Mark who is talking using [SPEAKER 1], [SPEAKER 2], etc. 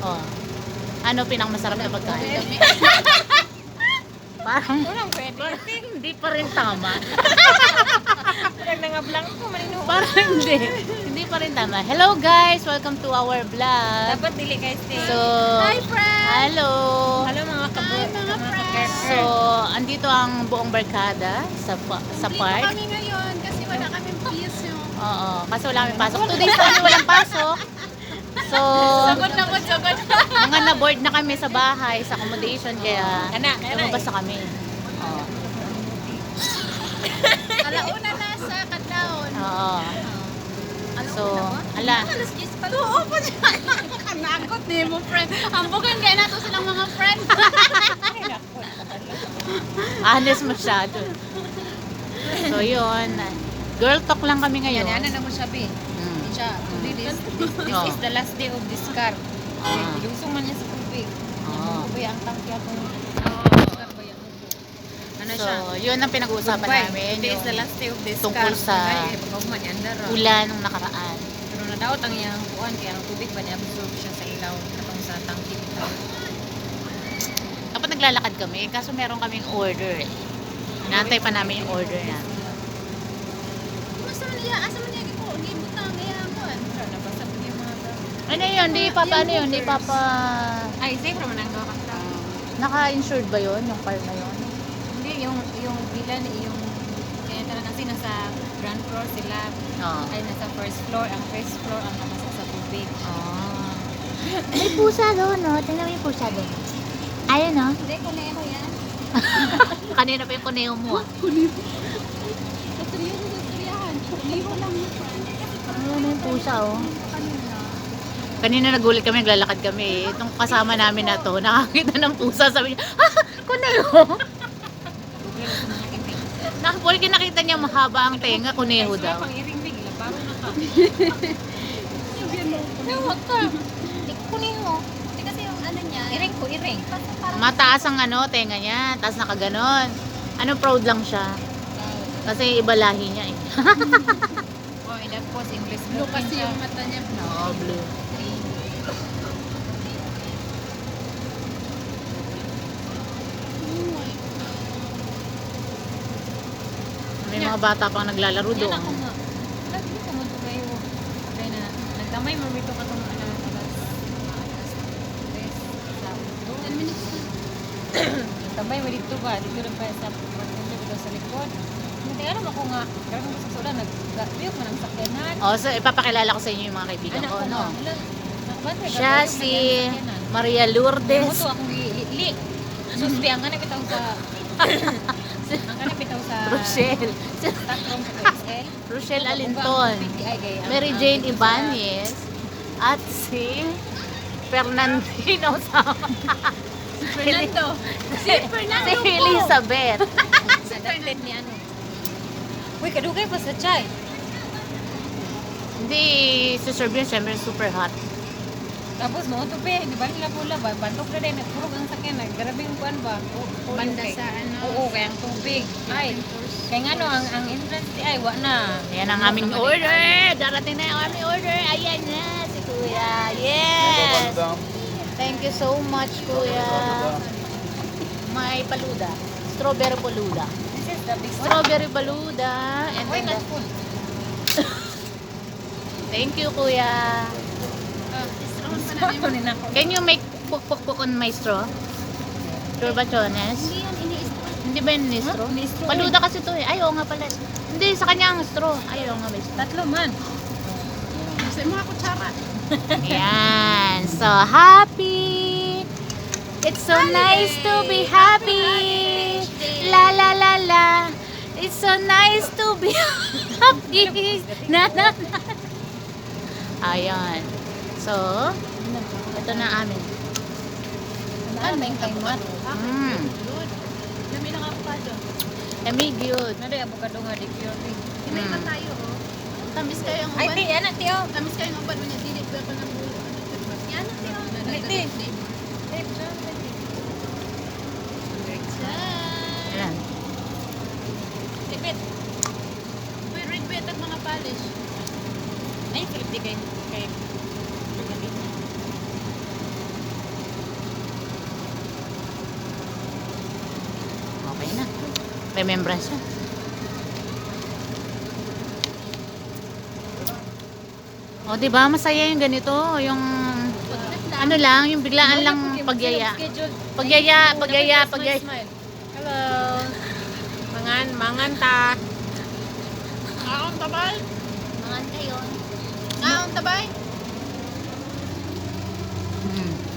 [SPEAKER 1] Oh. Ano pinakamasarap na pagkain? Parang
[SPEAKER 2] Walang pwede.
[SPEAKER 1] hindi pa rin tama.
[SPEAKER 2] Parang nangablang ko, malino.
[SPEAKER 1] Parang hindi. Hindi pa rin tama. Hello guys! Welcome to our vlog.
[SPEAKER 2] Dapat dili guys.
[SPEAKER 1] So,
[SPEAKER 3] Hi, friends!
[SPEAKER 1] hello!
[SPEAKER 2] Hello mga friends.
[SPEAKER 1] So, andito ang buong barkada sa
[SPEAKER 3] Dito
[SPEAKER 1] park.
[SPEAKER 3] kami ngayon kasi wala kaming piso.
[SPEAKER 1] Oo, kasi wala kami pasok. 2 days kami walang pasok. So,
[SPEAKER 3] Sagot na ko, sagot.
[SPEAKER 1] mga na-board na kami sa bahay, sa accommodation, kaya
[SPEAKER 2] Kana.
[SPEAKER 1] lumabas na kami. Oo.
[SPEAKER 3] Alauna na sa Kadlaon.
[SPEAKER 1] Oo. So, ala.
[SPEAKER 3] Alas 10 pa. Oo po siya. Kanakot ni mo, friend. Ambukan kaya nato silang mga friend.
[SPEAKER 1] Honest masyado. So, yun. Girl talk lang kami ngayon.
[SPEAKER 2] Yan, na mo siya, be.
[SPEAKER 1] Mm.
[SPEAKER 2] Siya, today, this
[SPEAKER 1] Oh.
[SPEAKER 2] is the last day of this car.
[SPEAKER 1] Ah.
[SPEAKER 2] Ilusong man niya sa tubig.
[SPEAKER 1] Oo.
[SPEAKER 2] Tubig ang tangke akong car ba yan? Ano
[SPEAKER 1] So,
[SPEAKER 2] siya?
[SPEAKER 1] yun ang pinag-uusapan
[SPEAKER 2] Goodbye.
[SPEAKER 1] namin.
[SPEAKER 2] Today is the
[SPEAKER 1] Yung
[SPEAKER 2] last day of this
[SPEAKER 1] tungkol
[SPEAKER 2] car.
[SPEAKER 1] sa
[SPEAKER 2] Ay, pag-ugman yan, dara.
[SPEAKER 1] ulan nung nakaraan.
[SPEAKER 2] Pero nadaot ang iyang kuan, kaya ang tubig ba niya absorb siya sa ilaw. Katong sa tangke bitaw.
[SPEAKER 1] Dapat naglalakad kami, kaso meron kaming order eh. Inaantay pa namin yung order namin.
[SPEAKER 3] Asa man niya? Asa man niya? Gipo, gibutang. Kaya ang kuhan.
[SPEAKER 2] Pero nabasa ko yung mga
[SPEAKER 1] Ano yun? Di pa ano yun? Di pa pa...
[SPEAKER 2] Ay, safe naman ang gawa ka.
[SPEAKER 1] Naka-insured ba yun? Yung car na yun?
[SPEAKER 2] Hindi, yung bilan, yung kaya talaga kasi nasa ground floor sila.
[SPEAKER 1] Oo.
[SPEAKER 2] Ay, nasa first floor. Ang first floor ang nasa sa tubig.
[SPEAKER 1] Ah. May pusa doon, no? Tingnan mo yung pusa doon. Ayun, no?
[SPEAKER 3] Hindi ko na yan.
[SPEAKER 1] Kanina pa yung kuneo mo, ah.
[SPEAKER 3] Katriyo ko sa Suriyahan. Liho lang yung friend.
[SPEAKER 1] Ayun yung pusa, oh.
[SPEAKER 3] Kanina.
[SPEAKER 1] Kanina nagulit kami, naglalakad kami. Itong kasama namin na to, nakakita ng pusa, sabi niya, ah, kuneho! Porque nakita niya mahaba ang tenga, kuneho daw.
[SPEAKER 2] Pang iring big, labaro na ka.
[SPEAKER 3] Huwag ka. Hindi ko niyo. Hindi kasi yung ano niya.
[SPEAKER 2] Iring ko, iring.
[SPEAKER 3] Parang
[SPEAKER 1] Mataas ang ano, tenga niya, taas nakaganon. Ano, proud lang siya. Kasi iba lahi niya eh.
[SPEAKER 2] Oh, and that was English
[SPEAKER 3] blue
[SPEAKER 2] blue
[SPEAKER 3] kasi yung mata niya.
[SPEAKER 1] Oo, blue. May mga bata pang naglalaro
[SPEAKER 2] Yan
[SPEAKER 1] doon.
[SPEAKER 2] ako nga. Lagi ko mo ito kayo. Kaya na, nagtamay mo rito ka itong alas
[SPEAKER 3] 10 minutes na.
[SPEAKER 2] Nagtamay mo dito ba? Dito rin pa sa pagkakita dito sa likod. Hindi alam ako nga. Karang mo sa sula, nag-biyok man ang sakyanan.
[SPEAKER 1] Oh, so ipapakilala ko sa inyo yung mga kaibigan
[SPEAKER 2] Anak
[SPEAKER 1] ko,
[SPEAKER 2] ko
[SPEAKER 1] no?
[SPEAKER 2] nga. Wala. Nakabantay,
[SPEAKER 1] Siya
[SPEAKER 2] gagawin
[SPEAKER 1] si
[SPEAKER 2] mo yan ang sakyanan.
[SPEAKER 1] Maria
[SPEAKER 2] Ano
[SPEAKER 1] Lourdes.
[SPEAKER 2] to akong li. Susbi, ang ganap itaw sa... ang ganap itaw sa...
[SPEAKER 1] Rochelle.
[SPEAKER 2] Takrong sa XL.
[SPEAKER 1] Rochelle Alinton. Mary Jane Ibanez. At si Fernandino Sama.
[SPEAKER 3] Fernando. Si Fernando
[SPEAKER 1] Si
[SPEAKER 3] po.
[SPEAKER 1] Elizabeth.
[SPEAKER 2] Sa dated ni ano. Uy, kadugay pa sa chai.
[SPEAKER 1] Hindi, si Serbian, syempre super hot.
[SPEAKER 2] Tapos mo to pe, di ba nila pula ba? Bantok na din, nagpurog ang sakyan, naggrabing kuan ba?
[SPEAKER 3] Banda sa ano.
[SPEAKER 2] Oo, kaya ang tubig. Ay, kaya nga no, ang entrance di ay, wa na.
[SPEAKER 1] Ayan ang aming order. Darating na yung aming order. Ayan na, si Kuya. Yes. Thank you so much, Kuya. May paluda. Strawberry paluda.
[SPEAKER 2] This is the big one.
[SPEAKER 1] Strawberry paluda. And
[SPEAKER 2] Uy,
[SPEAKER 1] then
[SPEAKER 2] last one.
[SPEAKER 1] thank you, Kuya.
[SPEAKER 3] Strong pa namin.
[SPEAKER 2] Kunin ako.
[SPEAKER 1] Can you make puk-puk-puk on my straw? Sure ba, Chones?
[SPEAKER 3] Hindi yan ini-straw.
[SPEAKER 1] Hindi ba yun ni straw?
[SPEAKER 2] Ni straw.
[SPEAKER 1] Paluda kasi to eh. Ay, oo nga pala. Hindi, sa kanya ang straw. Ay, oo nga may straw.
[SPEAKER 2] Tatlo man.
[SPEAKER 3] Sa mga kutsara.
[SPEAKER 1] Ayan. So, happy! It's so nice to be happy! La la la la! It's so nice to be happy! Na na na! Ayan. So, ito na amin.
[SPEAKER 2] Ano yung kay mat?
[SPEAKER 3] Dami ng avocado.
[SPEAKER 1] Lamig yun.
[SPEAKER 2] Ano yung avocado nga di pure?
[SPEAKER 3] May pa tayo, oh. Tamis kayo ang
[SPEAKER 2] Ay,
[SPEAKER 3] uban.
[SPEAKER 2] ti, ano, tiyo?
[SPEAKER 3] Tamis kayo ang uban. Unya, dinig ba ako ng bulo? Yan, tiyo.
[SPEAKER 2] Ay, ti.
[SPEAKER 1] Ayan.
[SPEAKER 2] Tipit.
[SPEAKER 3] Uy, red bet ang mga polish.
[SPEAKER 2] Ay, Philip, di kay
[SPEAKER 1] remembrance yun. O, diba? Masaya yung ganito. Yung, ano lang, yung biglaan lang pagyaya. Pagyaya.
[SPEAKER 2] Hello. Mangan ta.
[SPEAKER 3] Kaon tabay.
[SPEAKER 1] Mangan kayo.
[SPEAKER 3] Kaon tabay.
[SPEAKER 1] Hmm.